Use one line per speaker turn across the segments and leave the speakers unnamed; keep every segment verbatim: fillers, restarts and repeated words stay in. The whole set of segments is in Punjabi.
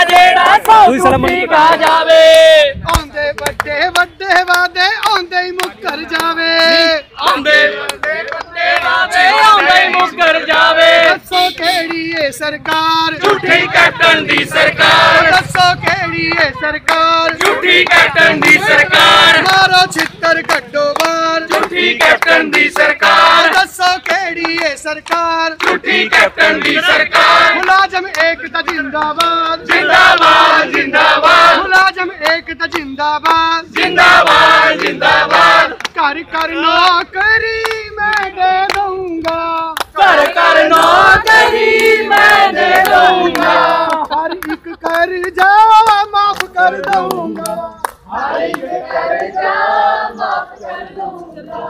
जेड़ा सौ झूठी खा जावे
आंदे बड़े बड़े वादे आंदे ही मुकर जावे
आंदे बड़े बड़े वादे आंदे ही मुकर जावे
दसो केड़ी है सरकार
झूठी कैप्टन दी सरकार
दसो केड़ी है सरकार
झूठी कैप्टन दी सरकार
मारो छित्तर कड्डो बाहर
झूठी कैप्टन दी सरकार
दसो केड़ी है सरकार
झूठी कैप्टन दी सरकार
मुलाजम एकता जिंदाबाद
जिंदाबाद जिंदाबाद
मुलाजम एकता जिंदाबाद
जिंदाबाद जिंदाबाद
कर कर नौकरी मैं दे दूंगा
कर कर नौकरी मैं दे दूंगा
हर एक कर्जा माफ कर दूंगा
हर एक कर्जा माफ कर दूंगा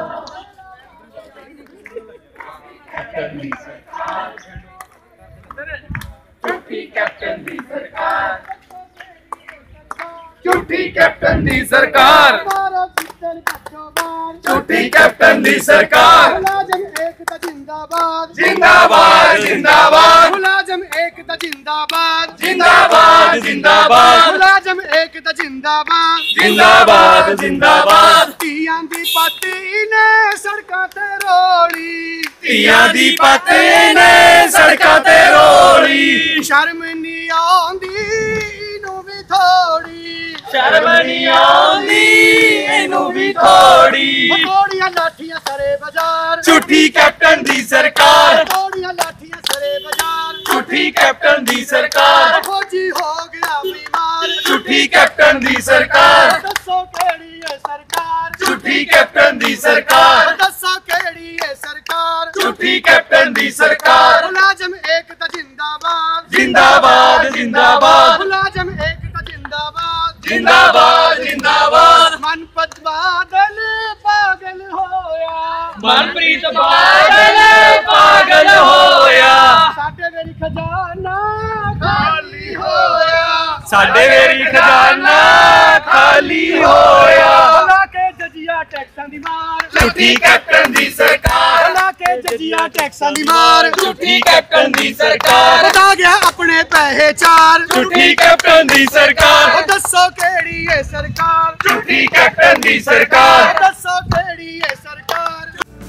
झूठी कैप्टन दी सरकार झूठी कैप्टन दी सरकार
मारो छित्तर कड्डो बाहर
झूठी कैप्टन दी सरकार
मुलाजम एकता जिंदाबाद
जिंदाबाद जिंदाबाद
मुलाजम एकता जिंदाबाद
जिंदाबाद जिंदाबाद
मुलाजम एकता जिंदाबाद
जिंदाबाद जिंदाबाद
ਧੀਆਂ ਦੀ ਪਾਤੀ ਨੇ ਸੜਕਾਂ ਤੇ ਰੋਲੀ
ਧੀਆਂ ਦੀ ਪੱਤੇ ਨੇ ਸੜਕਾਂ ਤੇ ਰੋਲੀ
ਸ਼ਰਮ ਨਹੀਂ ਆਉਂਦੀ ਇਹਨੂੰ ਵੀ ਥੋੜੀ
ਸ਼ਰਮ ਨਹੀਂ ਆਉਂਦੀ ਇਹਨੂੰ ਵੀ ਥੋੜੀ
ਥੋੜੀਆਂ ਲਾਠੀਆਂ ਸਰੇ ਬਾਜ਼ਾਰ
ਝੂਠੀ ਕੈਪਟਨ ਦੀ ਸਰਕਾਰ
ਥੋੜੀਆਂ ਲਾਠੀਆਂ ਸਰੇ ਬਾਜ਼ਾਰ
ਝੂਠੀ ਕੈਪਟਨ ਦੀ ਸਰਕਾਰ
ਫੌਜੀ ਹੋ ਗਿਆ ਬਿਮਾਰ
ਝੂਠੀ ਕੈਪਟਨ ਦੀ ਸਰਕਾਰ
ਦੱਸੋ ਕਿਹੜੀ ਹੈ ਸਰਕਾਰ
ਝੂਠੀ ਕੈਪਟਨ ਦੀ ਸਰਕਾਰ
ਦੱਸੋ ਕਿਹੜੀ ਹੈ ਸਰਕਾਰ
ਝੂਠੀ ਕੈਪਟਨ ਦੀ ਸਰਕਾਰ
ਮੁਲਾਜ਼ਮ ਏਕਤਾ ਜਿੰਦਾਬਾਦ
ਜਿੰਦਾਬਾਦ ਜਿੰਦਾਬਾਦ
ਮੁਲਾਜ਼ਮ ਏਕਤਾ ਜਿੰਦਾਬਾਦ
ਜਿੰਦਾਬਾਦ ਜਿੰਦਾਬਾਦ
ਮਨਪਤ ਬਾਦਲ ਪਾਗਲ ਹੋਇਆ
ਮਨਪ੍ਰੀਤ ਬਾਦਲ ਪਾਗਲ ਹੋਇਆ
ਸਾਡੇ ਵੇਰੀ ਖਜ਼ਾਨਾ ਖਾਲੀ ਹੋਇਆ
ਸਾਡੇ ਵੇਰੀ ਖਜ਼ਾਨਾ ਖਾਲੀ ਹੋਇਆ
ਲਾ ਕੇ ਜੱਜੀਆਂ ਟੈਕਸਾਂ ਦੀ ਮਾਰ
ਝੂਠੀ ਕੈਪਟਨ ਦੀ ਸਰਕਾਰ
ਲਾ ਕੇ ਜੱਜੀਆਂ ਟੈਕਸਾਂ ਦੀ ਮਾਰ
ਝੂਠੀ ਕੈਪਟਨ ਦੀ ਸਰਕਾਰ
ਵਧਾ ਗਿਆ ਆਪਣੇ ਪੈਸੇ ਚਾਰ
ਝੂਠੀ ਕੈਪਟਨ ਦੀ ਸਰਕਾਰ
ਉਹ ਦੱਸੋ ਕਿਹੜੀ ਹੈ ਸਰਕਾਰ
ਝੂਠੀ ਕੈਪਟਨ ਦੀ ਸਰਕਾਰ
ਦੱਸੋ ਕਿਹੜੀ ਹੈ ਸਰਕਾਰ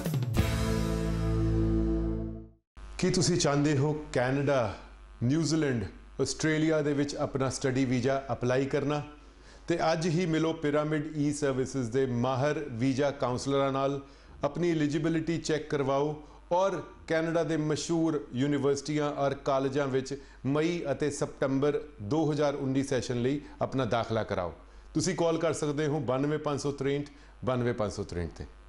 ਕੀ ਤੁਸੀਂ ਚਾਹੁੰਦੇ ਹੋ ਕੈਨੇਡਾ ਨਿਊਜ਼ੀਲੈਂਡ ਆਸਟ੍ਰੇਲੀਆ ਦੇ ਵਿੱਚ ਆਪਣਾ ਸਟੱਡੀ ਵੀਜ਼ਾ ਅਪਲਾਈ ਕਰਨਾ ਤੇ ਅੱਜ ਹੀ ਮਿਲੋ ਪਿਰਾਮਿਡ ਈ ਸਰਵਿਸਿਜ਼ ਦੇ ਮਾਹਰ ਵੀਜ਼ਾ ਕਾਉਂਸਲਰਾਂ ਨਾਲ ਆਪਣੀ ਐਲੀਜੀਬਿਲਿਟੀ ਚੈੱਕ ਕਰਵਾਓ ਔਰ ਕੈਨੇਡਾ ਦੇ ਮਸ਼ਹੂਰ ਯੂਨੀਵਰਸਿਟੀਆਂ ਔਰ ਕਾਲਜਾਂ ਵਿੱਚ ਮਈ ਅਤੇ ਸਤੰਬਰ ਦੋ ਹਜ਼ਾਰ ਉੱਨੀ ਸੈਸ਼ਨ ਲਈ ਆਪਣਾ ਦਾਖਲਾ ਕਰਾਓ ਤੁਸੀਂ ਕਾਲ ਕਰ ਸਕਦੇ ਹੋ ਬਾਨਵੇਂ ਪੰਜ ਸੌ ਤ੍ਰੇਹਠ ਬਾਨਵੇਂ ਪੰਜ ਸੌ ਤ੍ਰੇਹਠ ਤੇ।